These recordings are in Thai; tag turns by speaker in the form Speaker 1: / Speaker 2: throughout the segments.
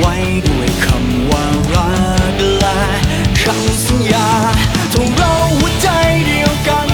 Speaker 1: ไว้ด้วยคำว่ารักและคำสัญญาทงเราหัวใจเดียวกัน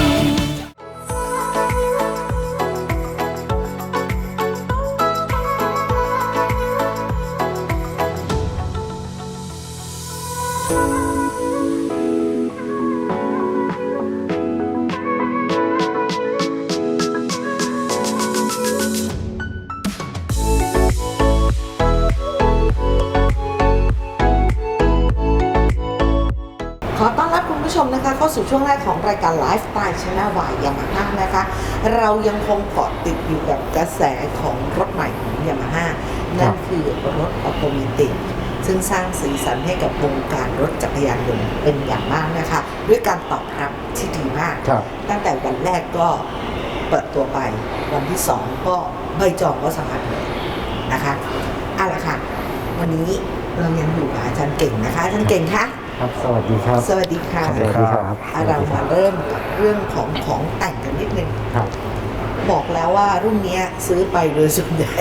Speaker 2: ขอต้อนรับคุณผู้ชมนะคะเข้าสู่ช่วงแรกของรายการไลฟ์สไตล์ชาแนลวายยามาฮ่านะคะเรายังคงเกาะติดอยู่กับกระแสของรถใหม่ของยามาฮ่านั่นคือรถออโตเมติกซึ่งสร้างสีสันให้กับวงการรถจักรยานยนต์เป็นอย่างมากนะคะด้วยการตอบรับที่ดีมากตั้งแต่วันแรกก็เปิดตัวไปวันที่2ก็ใบจองก็สมัครเลยนะคะเอาละค่ะวันนี้เรายังอยู่กับอาจารย์เก่งนะคะอาจารย์เก่งคะ
Speaker 3: ครับสวัสดีครับ
Speaker 2: สวัสดีค่ะ
Speaker 3: สวัสดีครับ
Speaker 2: เรามาเริ่มกับเรื่องของแต่งกันนิดนึง
Speaker 3: ครับ
Speaker 2: บอกแล้วว่ารุ่นนี้ซื้อไปโดยส่วนใหญ่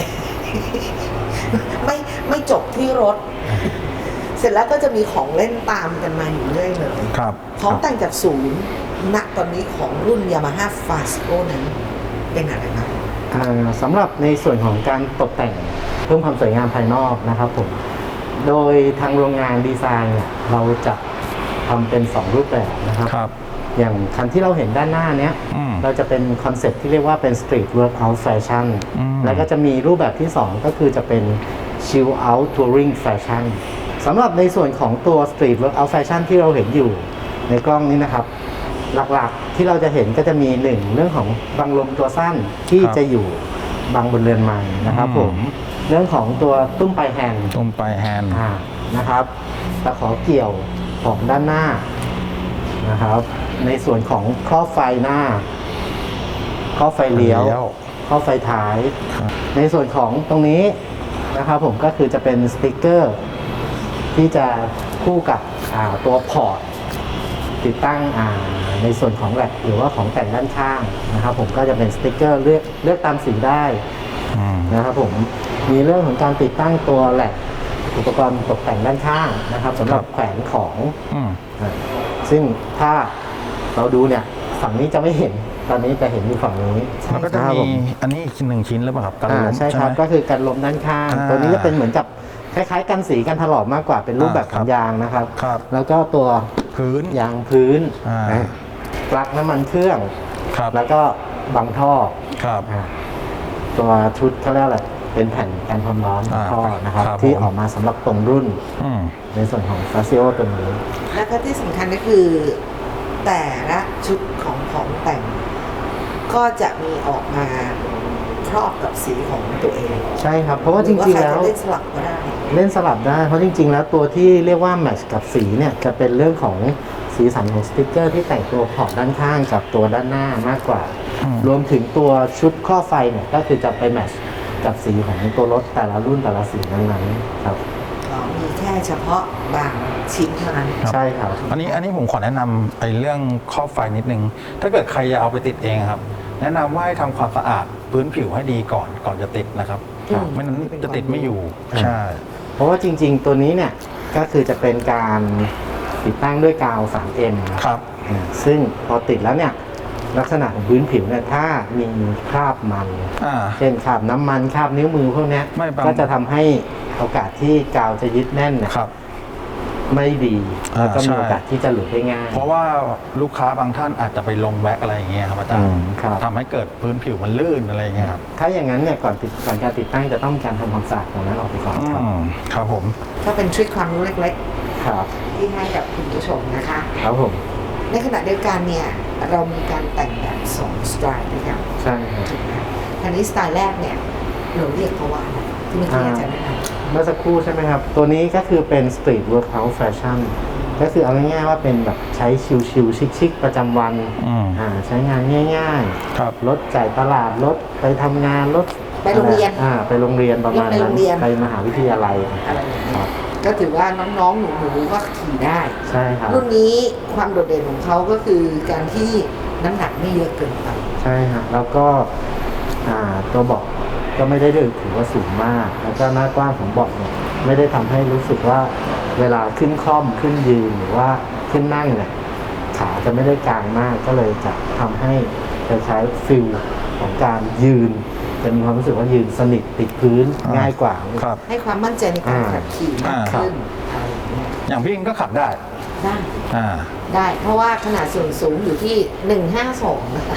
Speaker 2: ไม่จบที่รถ เสร็จแล้วก็จะมีของเล่นตามกันมาอยู่เรื่อยเลยของแต่งจากศูนย์ณตอนนี้ของรุ่น Yamaha Fasco นั้นเป็นอะไรครับ
Speaker 3: สำหรับในส่วนของการตกแต่งเพิ่มความสวยงามภายนอกนะครับผมโดยทางโรงงานดีไซน์เนี่ยเราจะทำเป็น2รูปแบบนะครับอย่างคันที่เราเห็นด้านหน้าเนี้ยเราจะเป็นคอนเซ็ปต์ที่เรียกว่าเป็น Street Workout Fashion แล้วก็จะมีรูปแบบที่2ก็คือจะเป็น Chill Out Touring Fashion สำหรับในส่วนของตัว Street Workout Fashion ที่เราเห็นอยู่ในกล้องนี้นะครับหลักๆที่เราจะเห็นก็จะมี1เรื่องของบังลมตัวสั้นที่จะอยู่บังบนเรือนไม้นะครับผมเรื่องของตัวตุ้มปลายแฮนด์นะครับตะขอเกี่ยวของด้านหน้านะครับในส่วนของครอบไฟหน้าครอบไฟเลี้ยวครอบไฟท้ายในส่วนของตรงนี้นะครับผมก็คือจะเป็นสติ๊กเกอร์ที่จะคู่กับตัวพอร์ตติดตั้งในส่วนของแหลกหรือว่าของแต่งด้านข้างนะครับผมก็จะเป็นสติ๊กเกอร์เลือกตามสีได้นะครับผมมีเรื่องของการติดตั้งตัวแหลกอุปกรณ์ตกแต่งด้านข้างนะครับสำหรับแขวนของซึ่งถ้าเราดูเนี่ยฝั่งนี้จะไม่เห็นตอนนี้จะเห็นอยู่ฝั่งนี้
Speaker 4: มันก็จะมีอันนี้อีก1ชิ้นหรือเปล่าครับกันลม
Speaker 3: ใช่ครับก็คือกันลมด้านข้างตัวนี้จะเป็นเหมือนกับคล้ายๆกันสีกันถลอกมากกว่าเป็นรูปแบบของยางนะครับแล้วก็ตัว
Speaker 4: พื้น
Speaker 3: ยางพื้นปลั๊กน้ำมันเครื่องแล้วก็บังท่อตัวชุดเขาเรียกอะไรเป็นแผ่นกันความร้อนท่อนะครับที่ออกมาสำหรับตรงรุ่นในส่วนของฟาซิโอตัวนี้
Speaker 2: และก็ที่สำคัญก็คือแต่ละชุดของแต่งก็จะมีออกมาครอบกับสีของตัวเอง
Speaker 3: ใช่ครับเพราะว่าจริงๆแล้ว
Speaker 2: เล่นสลับก็ได้
Speaker 3: เล่นสลับได้เพราะจริงๆแล้วตัวที่เรียกว่าแมทช์กับสีเนี่ยจะเป็นเรื่องของสีสันของสติ๊กเกอร์ที่แต่งตัวขอบด้านข้างกับตัวด้านหน้ามากกว่ารวมถึงตัวชุดครอบไฟเนี่ยก็คือจะไปแมทช์กับสีของตัวรถแต่ละรุ่นแต่ละสีนั้นๆครับ
Speaker 2: มีแค่เฉพาะบางชิ้นเท่านั้น
Speaker 3: ใช่ครับ
Speaker 4: อันนี้ผมขอแนะนำไอ้เรื่องครอบไฟนิดนึงถ้าเกิดใครจะเอาไปติดเองครับแนะนำว่าให้ทำความสะอาดพื้นผิวให้ดีก่อนจะติดนะครับไม่นั้นจะติดไม่อยู่ใช่
Speaker 3: เพราะว่าจริงๆตัวนี้เนี่ยก็คือจะเป็นการติดตั้งด้วยกาว 3M
Speaker 4: ครับ
Speaker 3: ซึ่งพอติดแล้วเนี่ยลักษณะของพื้นผิวเนี่ยถ้ามีคราบมันเช่นคราบน้ำมันคราบนิ้วมือพวกนี้ก็จะทำให้โอกาสที่กาวจะยึดแน่นเนี่ยไม่ดีแล้วก็มีโอกาสที่จะหลุดได้ง่าย
Speaker 4: เพราะว่าลูกค้าบางท่านอาจจะไปลงแว็กอะไรอย่างเงี้ยครับอาจารย์ทำให้เกิดพื้นผิวมันลื่นอะไรอย่างเงี้ยครับ
Speaker 3: ถ้าอย่างนั้นเนี่ยก่อนการติดตั้งจะต้องการทำความสะอาดตรงนั้นออกไปก่อน
Speaker 4: ครับผม
Speaker 2: ก็เป็นทริคความรู้เล็ก
Speaker 3: ๆครับ
Speaker 2: ที่ให้กับคุณผู้ชมนะคะ
Speaker 3: ครับผม
Speaker 2: ในขณะเดียวกันเนี่ยเรามีการแต่งแบบ2สไตล์ด้วยกัน
Speaker 3: ใช่ครับ
Speaker 2: อันนี้สไตล์แรกเนี่ยเราเรียกเขาว่าอะไรที่เมื่อกี้อาจารย์แนะนำ
Speaker 3: เมื่อสักครู่ใช่ไหมครับตัวนี้ก็คือเป็น Street Workout Fashion ก็คือเอาง่ายๆว่าเป็นแบบใช้ชิลๆชิคๆประจำวันใช้งานง่ายๆรถจ่ายตลาดรถไปทำงานรถ
Speaker 2: ไปโรงเรียน
Speaker 3: ไปโรงเรียนประมาณนั้นไปมหาวิทยาลัย
Speaker 2: อะไรก็ถือว่าน้องๆหนูๆก็ขี่ได้
Speaker 3: ใช่ครับ
Speaker 2: รุ่นนี้ความโดดเด่นของเขาก็คือการที่น้ำหนักไม่เยอะเกินไป
Speaker 3: ใช่ครับแล้วก็ตัวเบาะก็ไม่ได้ถือว่าสูงมากแล้วก็หน้ากว้างของเบาะเนี่ยไม่ได้ทำให้รู้สึกว่าเวลาขึ้นคล่อมขึ้นยืนหรือว่าขึ้นนั่งเนี่ยขาจะไม่ได้กางมากก็เลยจะทำให้จะใช้ฟิลของการยืนจะมีความรู้สึกว่ายืนสนิทติดพื้นง่ายกว่า
Speaker 4: ครับ
Speaker 2: ให้ความมั่นใจในการขับขี่มากขึ้นอะไรอย่างเงี้ย
Speaker 4: อย่างพี่อิงก็ขับได้
Speaker 2: ได้
Speaker 4: อ่า
Speaker 2: ได้เพราะว่าขนาดส่วนสูงอยู่ที่ 152 นะคะ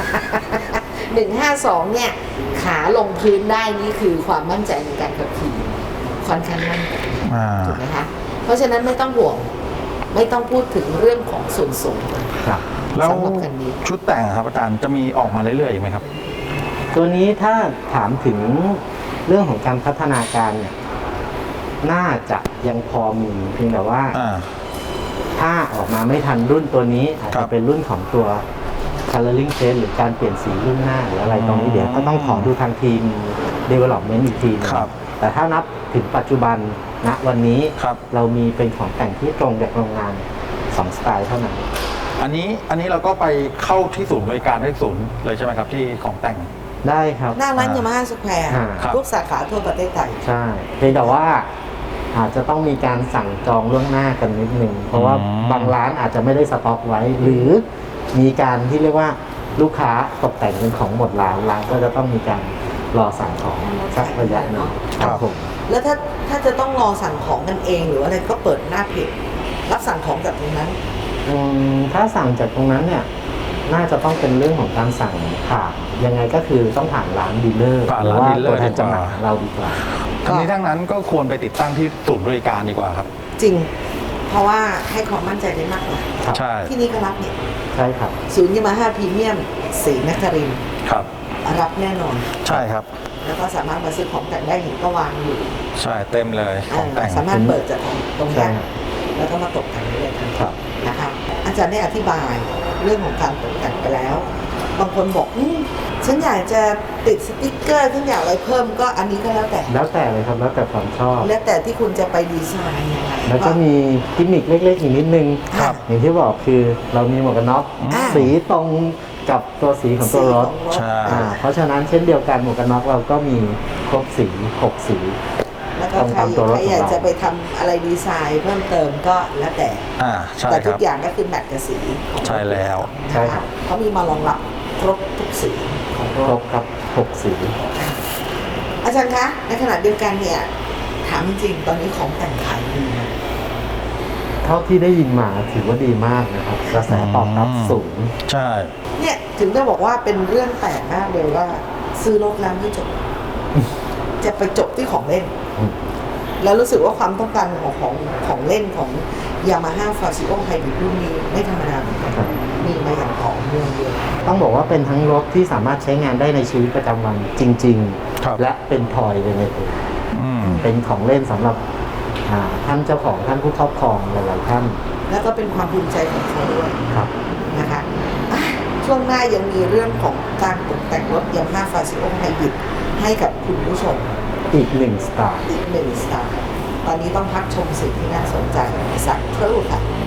Speaker 2: 152 เนี่ย ขาลงพื้นได้นี่คือความมั่นใจในการขับขี่ค่อนข้างมั่นใจ
Speaker 4: อ่า
Speaker 2: ถูกไหมคะ เพราะฉะนั้นไม่ต้องห่วง ไม่ต้องพูดถึงเรื่องของส่วนสูง
Speaker 3: ครับ
Speaker 4: แล้ว
Speaker 2: สำหรับคันนี้
Speaker 4: ชุดแต่งครับอาจารย์จะมีออกมาเรื่อยๆอีกไหมครับ
Speaker 3: ตัวนี้ถ้าถามถึงเรื่องของการพัฒนาการเนี่ยน่าจะยังพอมีเพียงแต่ว่า
Speaker 4: อ่า
Speaker 3: ถ้าออกมาไม่ทันรุ่นตัวนี้อาจ
Speaker 4: ครั
Speaker 3: จะ
Speaker 4: บ
Speaker 3: เป็นรุ่นของตัว coloring change หรือการเปลี่ยนสีรุ่นหน้าหรืออะไรตรงนี้เดี๋ยวก็ต้องขอดูทางทีม development อีกทีนึง
Speaker 4: ครับ
Speaker 3: แต่ถ้านับถึงปัจจุบันณวันนี้
Speaker 4: ครับ
Speaker 3: เรามีเป็นของแต่งที่ตรงจากโรงงาน2สไตล์เท่านั้น
Speaker 4: อันนี้เราก็ไปเข้าที่ศูนย์บริการที่ศูนย์เลยใช่ไหมครับที่ของแต่ง
Speaker 3: ได้ครับ
Speaker 2: หน้าร้านยามาฮ่าสแควร์
Speaker 4: ครับ
Speaker 2: ทุกสาขาทั่วประเทศไทย
Speaker 3: ใช่เพียงแต่ว่าอาจจะต้องมีการสั่งจองล่วงหน้ากันนิดนึงเพราะว่าบางร้านอาจจะไม่ได้สต็อกไว้ หรือมีการที่เรียกว่าลูกค้าตกแต่งเป็นของหมดร้านก็จะต้องมีการรอสั่งของสักระยะหนึ่งครับผม
Speaker 2: แล้วถ้าจะต้องรอสั่งของกันเองหรืออะไรก็เปิดหน้าเพจรับสั่งของจากตรงนั้น
Speaker 3: ถ้าสั่งจากตรงนั้นเนี่ยน่าจะต้องเป็นเรื่องของการสั่งผ่านยังไงก็คือต้องผ่านร้านดีลเลอร์
Speaker 4: ผ่าน
Speaker 3: หรือ
Speaker 4: ร้าน
Speaker 3: ว่า
Speaker 4: ดีลเลอร์
Speaker 3: ตัวแทนจำหน่าย
Speaker 4: ดีกว่า
Speaker 3: ของเราดีกว่า
Speaker 4: ทั้งนี้ทั้งนั้นก็ควรไปติดตั้งที่ศูนย์บริการดีกว่าครับ
Speaker 2: จริง เพราะว่าให้ความมั่นใจได้มากกว่า
Speaker 3: ครับ
Speaker 4: ใช่
Speaker 2: ที่นี่ก็รับเนี่ย
Speaker 3: ใช่ครับ
Speaker 2: ศูนย์ยามาฮ่าพรีเมียมศรีนครินทร์
Speaker 4: ครับ
Speaker 2: รับแน่นอน
Speaker 4: ใช่ครับ
Speaker 2: แล้วก็สามารถมาซื้อของแต่งได้เห็นก็วางอยู่
Speaker 4: ใช่เต็มเลยของแต่ง
Speaker 2: สามารถเปิดจากตรง
Speaker 3: ใช่
Speaker 2: นี้แล้วก็มาตกแต่งได้เลยทัน
Speaker 3: ครั
Speaker 2: ที
Speaker 3: บ
Speaker 2: นะคะอาจารย์ได้อธิบายเรื่องของการตกแต่งไปแล้ว บางคนบอกฉันอยากจะติดสติ๊กเกอร์ฉันอยากอะไรเพิ่มก็อันนี้ก็แล้วแต่
Speaker 3: แล้วแต่เลยครับแล้วแต่ความชอบ
Speaker 2: แล้วแต่ที่คุณจะไปดีไซน์ยังไง
Speaker 3: แล้วก็มีกิมมิคเล็กๆอีกนิดนึง
Speaker 2: ครับ
Speaker 3: อย่างที่บอกคือเรามีหมวกกันน็อก
Speaker 2: อ่า
Speaker 3: สีตรงกับตัวสีของตัวรถ
Speaker 2: สีของ
Speaker 4: ใช่
Speaker 3: เพราะฉะนั้นเช่นเดียวกันหมวกกันน็อกเราก็มีครบสี6สี
Speaker 2: แล้วก็ใคร
Speaker 3: ตามตัวรถของเรา
Speaker 2: อยากจะไปทำอะไรดีไซน์เพิ่มเติมก็แล้วแต่
Speaker 4: อ่าใช่
Speaker 2: แต่
Speaker 4: ค
Speaker 2: ทุ
Speaker 4: รั
Speaker 2: ก
Speaker 4: บ
Speaker 2: อย่างก็คือแมทกับสีของ
Speaker 4: ใช่แล้ว
Speaker 3: ใช่ครับ
Speaker 2: เขามีมารองรับครบทุกสีของร
Speaker 3: คร
Speaker 2: ถ
Speaker 3: บครับ6สี
Speaker 2: อาจารย์คะในขณะเดียวกันเนี่ยถามจริงตอนนี้ของแต่งขายดีนะ
Speaker 3: เท่าที่ได้ยินมาถือว่าดีมากนะครับกระแสตอบรับสูง
Speaker 4: ใช่
Speaker 2: เนี่ยถึงได้บอกว่าเป็นเรื่องแปลกมากเลยว่า ซื้อรถแล้วไม่จบ จะไปจบที่ของเล่น
Speaker 3: อืม
Speaker 2: แล้วรู้สึกว่าความต้องการของเล่นของยามาฮ่าฟาซิโอไฮบริดรุ่นนี้ไม่ธรรมดาเหมือนกัน
Speaker 3: ครับ
Speaker 2: มีมาอย่างต่อเนื่องเลย
Speaker 3: ต้องบอกว่าเป็นทั้งรถที่สามารถใช้งานได้ในชีวิตประจำวันจริง
Speaker 4: ครับ
Speaker 3: ๆ และเป็นทอยเลยในตัว
Speaker 4: อืม
Speaker 3: เป็นของเล่นสำหรับท่านเจ้าของท่านผู้ครอบครองหลายๆท่าน
Speaker 2: แล้วก็เป็นความภูมิใจของเขาด้วย
Speaker 3: ครับ
Speaker 2: นะคะอ่ะช่วงหน้ายังมีเรื่องของการตกแต่งรถยามาฮ่าฟาซิโอไฮบริดให้กับคุณผู้ชม
Speaker 3: อีกหนึ่งสไตล์
Speaker 2: อีกหนึ่งสไตล์ตอนนี้ต้องพักชมสิ่งที่น่าสนใจสักครู่ค่ะ